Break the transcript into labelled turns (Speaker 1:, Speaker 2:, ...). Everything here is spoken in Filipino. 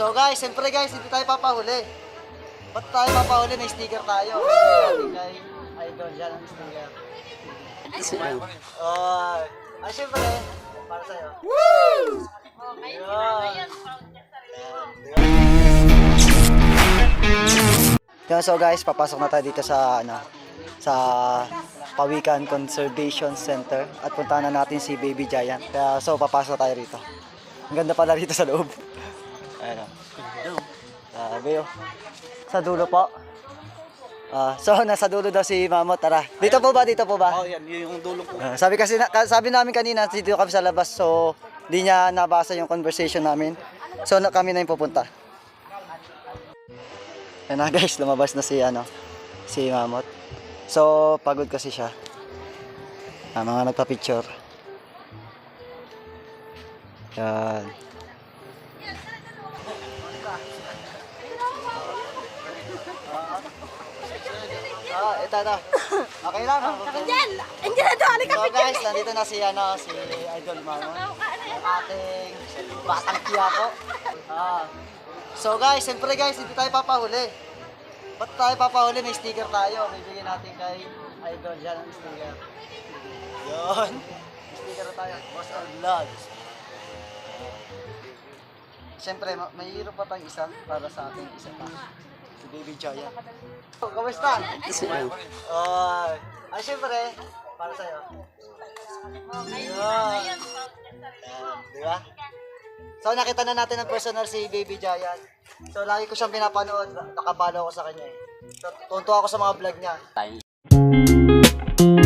Speaker 1: So guys, siyempre guys, hindi tayo papahuli. Ba't tayo papahuli? May sticker tayo. Kay Idol, yan ang sticker. Ay, siyempre, para sa'yo. Woo! So guys, papasok na tayo dito sa sa Pawikan Conservation Center at puntahan na natin si Baby Giant. Kaya so papasok tayo rito. Ang ganda pala rito sa loob. Ayun. Sabi sa dulo po. So nasa dulo daw si Mamot. Tara. Dito po ba? Dito po ba?
Speaker 2: Oh, yan yung dulo po.
Speaker 1: Sabi kasi sabi namin kanina dito kami sa labas, so di niya nabasa yung conversation namin. So kami na yung pupunta. Yan na guys, lumabas na si Mamot. So pagod kasi siya. Mga nagpa-picture. Yan. Ito. Okay lang.
Speaker 3: Andiyan na to, halika
Speaker 1: So guys, nandito na si Idol Mamon. Ang ating batang Quiapo. So guys, siyempre guys, hindi tayo papahuli. Ba't tayo papahuli? May sticker tayo. Bibigyan natin kay Idol. Yan ang sticker. Yun. May sticker na tayo. Boss of Vlogs. Siyempre, may hero pa tayong isa para sa ating isa pa. Si Baby Giant. Kamusta? Ay, siyempre, para sa'yo. Yun. Diba? So, nakita na natin ang personal si Baby Giant. So, lagi ko siyang pinapanood. Nakabalo ako sa kanya eh. So, tuntua ako sa mga vlog niya.